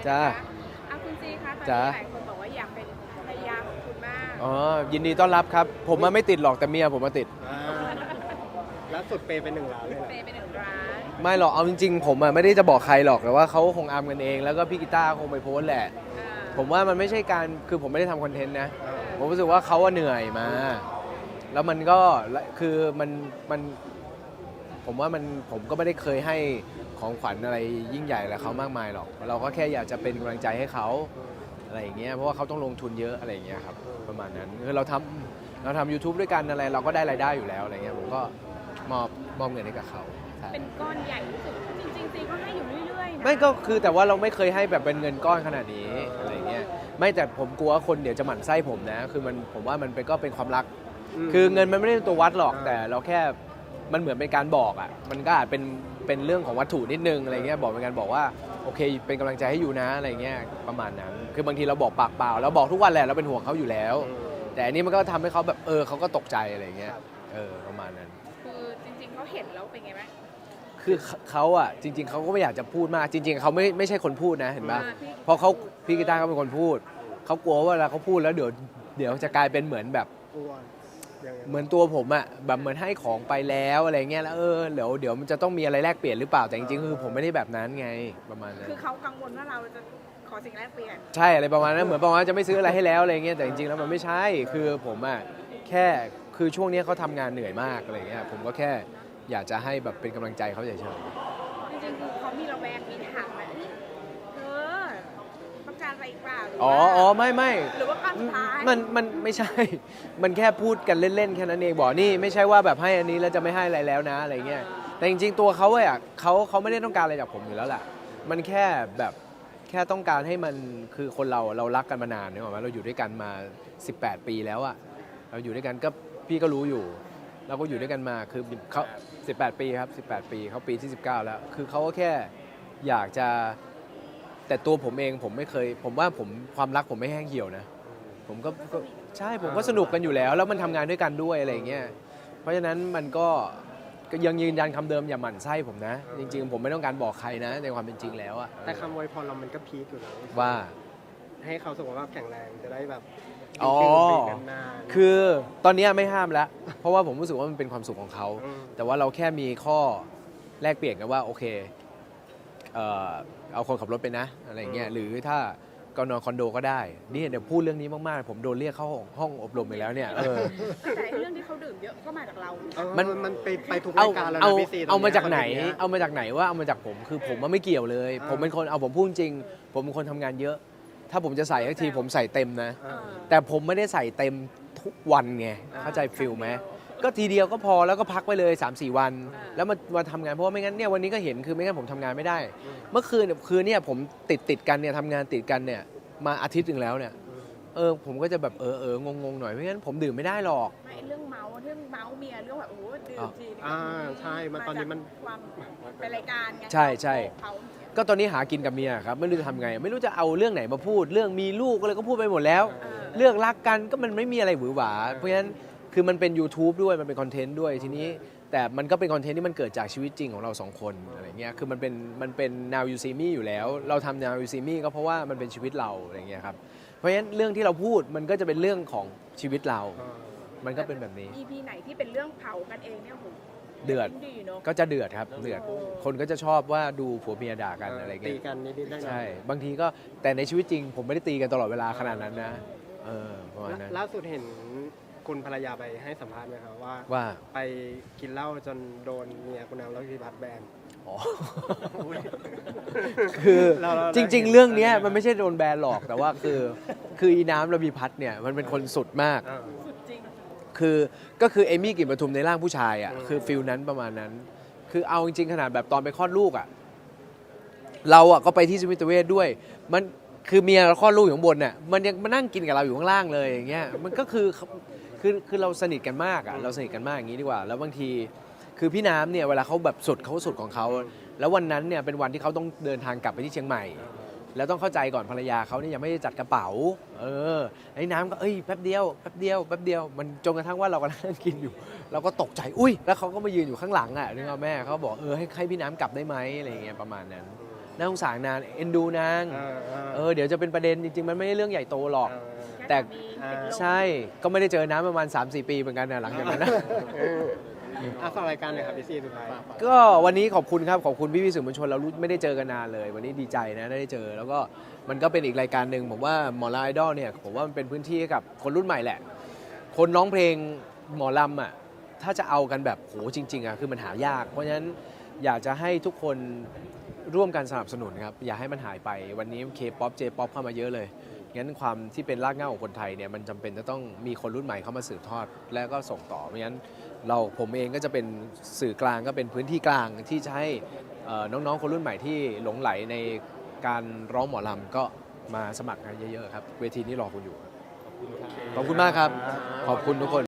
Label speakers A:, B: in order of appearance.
A: จ้า
B: คุณซีคะตอน
A: จ้า
B: นี้หลายคนบอกว่าอยากเป็นภรรยาของคุณมาก
A: อ๋อยินดีต้อนรับครับผมมาไม่ติดหรอกแต่เมียผมมาติด
C: ล่าสุดเปย์ไป1 ล้านเลยนะ
B: เปย์ไป1 ล้าน
A: ไม่หรอกเอาจริงๆผมไม่ได้จะบอกใครหรอกแต่ว่าเขาคงอามกันเองแล้วก็พี่กีตาร์คงไปโพสต์แหละผมว่ามันไม่ใช่การคือผมไม่ได้ทำคอนเทนต์นะผมรู้สึกว่าเขาเหนื่อยมาแล้วมันก็คือมันผมว่าผมก็ไม่ได้เคยให้ของขวัญอะไรยิ่งใหญ่อะไรเขามากมายหรอกเราก็แค่อยากจะเป็นกำลังใจให้เขาอะไรอย่างเงี้ยเพราะว่าเขาต้องลงทุนเยอะอะไรอย่างเงี้ยครับประมาณนั้นคือเราทำ YouTube ด้วยกันอะไรเราก็ได้รายได้อยู่แล้วอะไรเงี้ยผมก็มอบเงินให้กับเขา
B: เป็นก้อนใหญ่ที่สุดจริงๆซีก็ให้อยู่เรื่อยๆนะ
A: ไม่ก็คือแต่ว่าเราไม่เคยให้แบบเป็นเงินก้อนขนาดนี้อะไรเงี้ยไม่แต่ผมกลัวว่าคนเดี๋ยวจะหมั่นไส้ผมนะคือผมว่ามันก็เป็นความรักคือเงินมันไม่ได้เป็นตัววัดหรอกแต่เราแค่มันเหมือนเป็นการบอกอ่ะมันก็อาจเป็นเรื่องของวัตถุนิดนึงอะไรเงี้ยบอกเป็นการบอกว่าโอเคเป็นกำลังใจให้อยู่นะอะไรเงี้ยประมาณนั้นคือบางทีเราบอกปากเปล่าเราบอกทุกวันแหละเราเป็นห่วงเขาอยู่แล้วแต่อันนี้มันก็ทำให้เขาแบบเขาก็ตกใจอะไรเงี้ยประมาณนั้น
B: คือจริงๆเขาเห็นแล้วเป็นไงบ้าง
A: คือเขาอ่ะจริงๆเขาก็ไม่อยากจะพูดมากจริงๆเขาไม่ใช่คนพูดนะเห็นปะเพราะพี่กีตาร์เขาเป็นคนพูดเขากลัวว่าเวลาเขาพูดแล้วเดี๋ยวจะกลายเป็นเหมือนแบบเหมือนตัวผมอะแบบเหมือนให้ของไปแล้วอะไรเงี้ยแล้วเดี๋ยวมันจะต้องมีอะไรแลกเปลี่ยนหรือเปล่าแต่จริงๆคือผมไม่ได้แบบนั้นไงประมาณนั้น
B: คือเขากังวลว่าเราจะขอสิ่งแลกเปลี่ยน
A: ใช่อะไรประมาณนั้นเหมือนประมาณจะไม่ซื้ออะไรให้แล้วอะไรเงี้ยแต่จริงๆแล้วมันไม่ใช่คือผมอะแค่คือช่วงนี้เขาทำงานเหนื่อยมากอะไรเงี้ยผมก็แค่อยากจะให้แบบเป็นกำลังใจเขาเฉยๆ
B: จริงๆคือเขามีระแวงมีถามไหมเธอต้องการอะไรอีกเปล่า
A: ไม่
B: หรือว่าการสุดท้าย
A: มันไม่ใช่มันแค่พูดกันเล่นๆแค่นั้นเองบอกนี่ไม่ใช่ว่าแบบให้อันนี้แล้วจะไม่ให้อะไรแล้วนะอะไรเงี้ยแต่จริงๆตัวเขาอะเขาไม่ได้ต้องการอะไรจากผมอยู่แล้วแหละมันแค่แบบแค่ต้องการให้มันคือคนเรารักกันมานานเนี่ยหรอเราอยู่ด้วยกันมา18 ปีแล้วอะเราอยู่ด้วยกันก็พี่ก็รู้อยู่เราก็อยู่ด้วยกันมาคือเขา18 ปีครับ18 ปีเขาปีที่19แล้วคือเขาก็แค่อยากจะแต่ตัวผมเองผมไม่เคยผมว่าความรักผมไม่แห้งเหี่ยวนะผมก็ใช่ผมก็สนุกกันอยู่แล้วแล้วมันทำงานด้วยกันด้วยอะไรอย่างเงี้ยเพราะฉะนั้นมันก็ยังยืนยันคำเดิมอย่าหมั่นไส้ผมนะจริงๆผมไม่ต้องการบอกใครนะในความเป็นจริงแล้วอะ
C: แต่คำอวยพรเรามันก็พีคอยู่นะ
A: ว่า
C: ให้เขาสุขภาพแข็งแรงจะได้แบบนาน
A: คือตอนนี้ไม่ห้ามแล้วเพราะว่าผมรู้สึกว่ามันเป็นความสุขของเขาแต่ว่าเราแค่มีข้อแลกเปลี่ยนกันว่าโอเคเอาคนขับรถไปนะอะไรเงี้ยหรือถ้าก็นอนคอนโดก็ได้นี่เดี๋ยวพูดเรื่องนี้มากๆผมโดนเรียกเข้าห้องอบรมไปแล้วเนี่ย
B: แต่เรื่องที่เขาดื่มเยอะก็มาจากเรา
C: มันไปทุกรายการแล้วนะพี่ซี
A: เอามาจากไหนว่าเอามาจากผมคือผมไม่เกี่ยวเลยผมเป็นคนผมพูดจริงผมเป็นคนทำงานเยอะถ้าผมจะใส่ทีผมใส่เต็มนะแต่ผมไม่ได้ใส่เต็มทุกวันไงเข้าใจฟิลไหมก็ทีเดียวก็พอแล้วก็พักไปเลย 3-4 วันแล้วมาทำงานเพราะว่าไม่งั้นเนี่ยวันนี้ก็เห็นคือไม่งั้นผมทำงานไม่ได้เมื่อคืนเนี่ยผมติดกันเนี่ยทำงานติดกันเนี่ยมาอาทิตย์หนึ่งแล้วเนี่ยผมก็จะแบบงงหน่อยไม่งั้นผมดื่มไม่ได้หรอก
B: ไม่เรื่องเมาเมียเรื่องแบบโอ้ดื่มที
C: ใช่มันตอนนี้มัน
B: ความเป็นรายการไง
A: ใช่ก็ตอนนี้หากินกับเมียครับไม่รู้จะทำไงไม่รู้จะเอาเรื่องไหนมาพูดเรื่องมีลูกอะไรก็พูดไปหมดแล้วเรื่องรักกันก็มันไม่มีอะไรหวือหวาเพราะฉะนั้นคือมันเป็น YouTube ด้วยมันเป็นคอนเทนต์ด้วยทีนี้แต่มันก็เป็นคอนเทนต์ที่มันเกิดจากชีวิตจริงของเรา2 คนอะไรเงี้ยคือมันเป็น Now You See Me อยู่แล้วเราทำ Now You See Me ก็เพราะว่ามันเป็นชีวิตเราอะไรเงี้ยครับเพราะฉะนั้นเรื่องที่เราพูดมันก็จะเป็นเรื่องของชีวิตเรามันก็เป็นแบบนี้
B: EP ไหนที่เป็นเรื่องเผากันเองเนี่ยผม
A: เดือดก็จะเดือดครับเดือดคนก็จะชอบว่าดูผัวเมียด่ากันอะไรเงี้ย
C: ตีกันนิดๆได้
A: ใช่บางทีก็แต่ในชีวิตจริงผมไม่ได้ตีกันตลอดเวลาขนาดนั้นนะประมาณนั้น
C: ล่าสุดเห็นคุณภรรยาไปให้สัมภาษณ์ไหมครับว่าไปกินเหล้าจนโดนเมียคุณน้ำแล้วพิพัฒน์แบน
A: คือจริงๆเรื่องนี้มันไม่ใช่โดนแบนหรอกแต่ว่าคืออีน้ำระพีพัฒน์เนี่ยมันเป็นคนสุดมาก
B: สุดจริง
A: ก็คือเอมี่กลิ่นปทุมในร่างผู้ชายอ่ะคือฟิลนั้นประมาณนั้นคือเอาจริงๆขนาดแบบตอนไปคลอดลูกอ่ะเราอ่ะก็ไปที่สมิติเวชด้วยมันคือเมียเราคลอดลูกอยู่ข้างบนน่ะมันยังมานั่งกินกับเราอยู่ข้างล่างเลยอย่างเงี้ยมันก็คือเราสนิทกันมากอ่ะเราสนิทกันมากอย่างนี้ดีกว่าแล้วบางทีคือพี่น้ำเนี่ยเวลาเขาแบบสุดของเขาแล้ววันนั้นเนี่ยเป็นวันที่เขาต้องเดินทางกลับไปที่เชียงใหม่แล้วต้องเข้าใจก่อนภรรยาเขาเนี่ยยังไม่ได้จัดกระเป๋าไอ้น้ำก็แป๊บเดียวมันจนกระทั่งว่าเรากำลังนั่งกินอยู่เราก็ตกใจอุ้ยแล้วเขาก็มายืนอยู่ข้างหลังอ่ะนึกว่าแม่เขาบอกให้พี่น้ำกลับได้ไหมอะไรเงี้ยประมาณนั้นน่าสงสารนางเอ็นดูนาง เดี๋ยวจะเป็นประเด็นจริงๆมันไม่ได้เรื่องใหญ่โตหรอก แต่ ใช่ก็ไม่ได้เจอน้ำประมาณ 3-4 ปีเหมือนกันนะหลังจากนั้นนะ
C: ฝากรายการหน่อยครับพี่ซีสุดท้าย
A: ก็วันนี้ขอบคุณครับขอบคุณพี่สื่อมวลชนเราไม่ได้เจอกันนานเลย วันนี้ดีใจนะได้เจอ แล้วก็มันก็เป็นอีกรายการหนึ่งผมว่าหมอลำไอดอลเนี่ยผมว่ามันเป็นพื้นที่ให้กับคนรุ่นใหม่แหละ คนร้องเพลงหมอลำอ่ะถ้าจะเอากันแบบโหจริงๆอ่ะคือมันหายาก เพราะฉะนั้นอยากจะให้ทุกคนร่วมกันสนับสนุนครับอย่าให้มันหายไปวันนี้ K-POP J-POP เข้ามาเยอะเลยงั้นความที่เป็นรากเหง้าของคนไทยเนี่ยมันจำเป็นจะต้องมีคนรุ่นใหม่เข้ามาสืบทอดและก็ส่งต่อเพราะฉะนั้นผมเองก็จะเป็นสื่อกลางก็เป็นพื้นที่กลางที่จะให้น้องๆคนรุ่นใหม่ที่หลงไหลในการร้องหมอลำก็มาสมัครกันเยอะๆครับเวทีนี้รอคุณอยู่ขอบคุณมากครับขอบคุณทุกคน